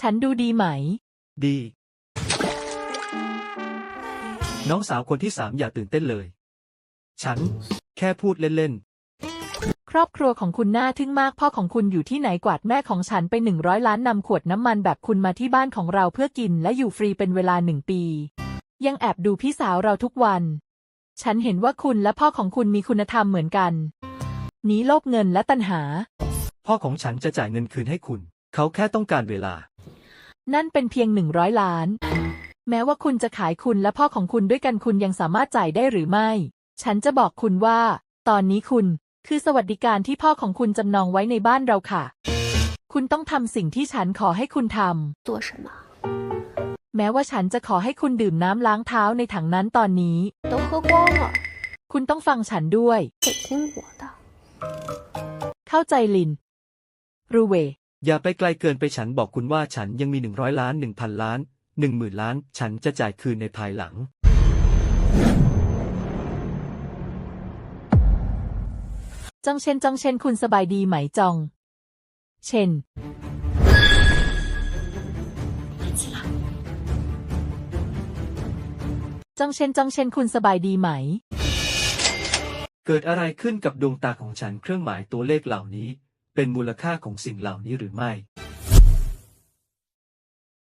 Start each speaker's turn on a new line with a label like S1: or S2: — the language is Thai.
S1: ฉันดูดีไหม
S2: ดี น้องสาวคนที่3อย่าตื่นเต้นเลย ฉันแค่พูดเล่น
S1: ครอบครัวของคุณน่าทึ่งมากพ่อของคุณอยู่ที่ไหนกวาดแม่ของฉันไป100 ล้านนำขวดน้ำมันแบบคุณมาที่บ้านของเราเพื่อกินและอยู่ฟรีเป็นเวลา1 ปียังแอบดูพี่สาวเราทุกวันฉันเห็นว่าคุณและพ่อของคุณมีคุณธรรมเหมือนกันหนีโลภเงินและตัณหา
S2: ๆ พ่อของฉันจะจ่ายเงินคืนให้คุณ เขาแค่ต้องการเวลา
S1: นั่นเป็นเพียง100 ล้าน แม้ว่าคุณจะขายคุณและพ่อของคุณด้วยกันคุณยังสามารถจ่ายได้หรือไม่ ฉันจะบอกคุณว่า ตอนนี้คุณคือสวัสดิการที่พ่อของคุณจำนองไว้ในบ้านเราค่ะ คุณต้องทำสิ่งที่ฉันขอให้คุณท
S3: 做什么
S1: ำแม้ว่าฉันจะขอให้คุณดื่มน้ำล้างเท้าในถังนั้นตอนนี้
S3: 都喝光了
S1: คุณต้องฟังฉันด้วย
S3: 得听我的
S1: เข้าใจลินรูเว
S2: อย่าไปไกลเกินไปฉันบอกคุณว่าฉันยังมี100 ล้าน 1,000 ล้าน 10,000 ล้านฉันจะจ่ายคืนในภายหลัง
S1: จองเชนคุณสบายดีไหมจองเชนจองเชนคุณสบายดีไหม
S2: เกิดอะไรขึ้นกับดวงตาของฉันเครื่องหมายตัวเลขเหล่านี้เป็นมูลค่าของสิ่งเหล่านี้หรือไม่